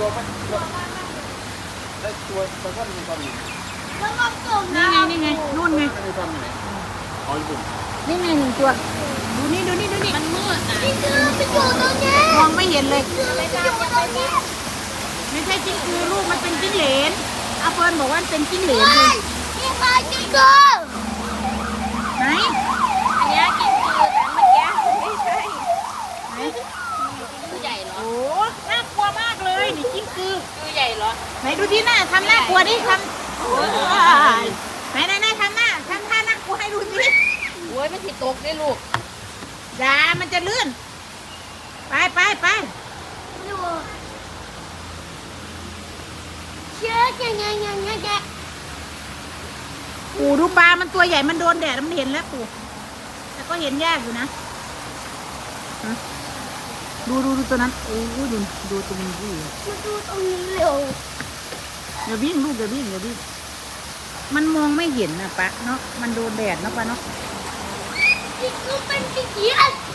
ตัวมันได้ตัวตัวก้อนมันตอนนี้แล้วก็กลมนี่นะไงนี่ไงนู่นไงไม่ได้ทำไหนอ๋อญี่ปุ่นนี่ไงหนึ่งตัวดูนี่ดูนี่ดูนี่มันมืดนะนี่คือไปอยู่ตรงนี้มองไม่เห็นเลยคือไปอยู่ตรงนี้ไม่ใช่จิ้งคือลูกมันเป็นจิ้งเหลนอาเฟิร์นบอกว่ามันเป็นจิ้งเหลนเฮ้เลยยนี่ใครจริงก็ไหนอันนี้กินคือแต่เมื่อกี้ไม่ใช่ไหนคือใหญ่เหรอโอ้น่ากลัวมากเลยนี่จิ้งคือคือใหญ่เหรอไหนดูที่หน้าทำหน้ากลัวดิทำโอ้ยไหนทำหน้าทำท่าน่ากลัวให้ดูสิโอ้ยไม่ติดตกได้ลูกอย่ามันจะลื่นไปดูเชื่อแกปู่ดูปลามันตัวใหญ่มันโดนแดดมันเห็นแล้วปู่แต่ก็เห็นยากอยู่นะฮะดูตัวนั้นโอ้ยดูตรงนี้ดิมาดูตรงนี้เร็วอย่าวิ่งลูกอย่าวิ่งมันมองไม่เห็นนะปะเนาะมันโดนแดดเนาะปะเนาะนี่คือเป็นสีเขียว